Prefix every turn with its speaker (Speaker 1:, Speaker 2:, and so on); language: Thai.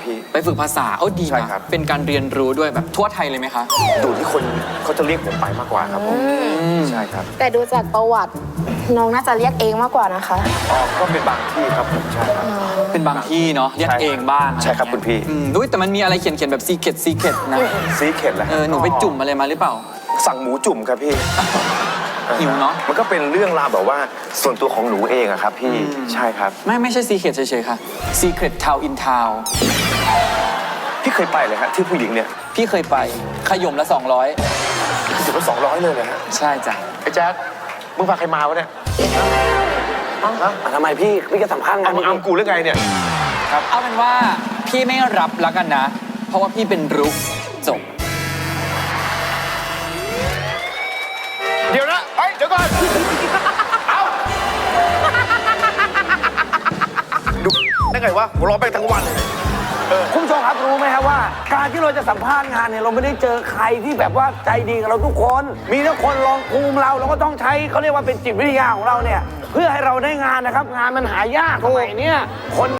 Speaker 1: พี่
Speaker 2: ไปฝึกภาษาดี
Speaker 1: ใช่
Speaker 2: นะครับ เป็นการเรียนรู้ด้วยแบบทั่วไทยเลยไหมคะ
Speaker 1: ดูที่คนเขาจะเรียกผมไปมากกว่าครับผมใช่ครับ
Speaker 3: แต่ดูจากประวัติน้องน่าจะเรียกเองมากกว่านะคะ
Speaker 1: อ๋อก็เป็นบางที่ครับผมใช่ครับ
Speaker 2: เป็นบางที่เนาะเรียกเองบ้าง
Speaker 1: ใช่ครับคุณพี่
Speaker 2: ด้วยแต่มันมีอะไรเขียนแบบซีเคร็ดนะ
Speaker 1: ซีเข็ดแหละ
Speaker 2: หนูไปจุ่มอะไรมาหรือเปล่า
Speaker 1: สั่งหมูจุ่มครับพี่
Speaker 2: หิวเนอะ
Speaker 1: มันก็เป็นเรื่องราวแบบว่าส่วนตัวของหนูเองอะครับพี่ใช่ครับ
Speaker 2: ไม่ใช่ซีเคร็ดเฉยๆค่ะซีเคร็ดทาวอินทาว
Speaker 1: พี่เคยไปเลยฮะที่ผู้หญิงเนี่ย
Speaker 2: พี่เคยไปขย่มละ
Speaker 1: ถึงว่า200เลยนะฮะ
Speaker 2: 200ใช่จ้ะ
Speaker 1: ไอ้แจ๊ดมึงพาใครมาวะเนี่ยฮะ
Speaker 4: ทำไมพี่จะสัมภาษณ์งาน
Speaker 1: มึงอำกูหรือไงเนี่ย
Speaker 2: เอาเป็นว่าพี่ไม่รับแล้วกันนะ เพราะว่าพี่เป็นรุกจบ
Speaker 1: เดี๋ยวนะเดี๋ยวก่อนเอาดูได้ไงวะหัวเราะไปทั้งวันเลย
Speaker 4: คุณผู้ชมครับรู้ไหมครับว่า การที่เราจะสัมภาษณ์งานเนี่ยเราไม่ได้เจอใครที่แบบว่าใจดีกับเราทุกคน มีทุกคนลองภูมิเราก็ต้องใช้เขาเรียกว่าเป็นจิตวิทยาของเราเนี่ยเพื่อให้เราได้งานนะครับ งานมันหายากสมัยเนี้ยคน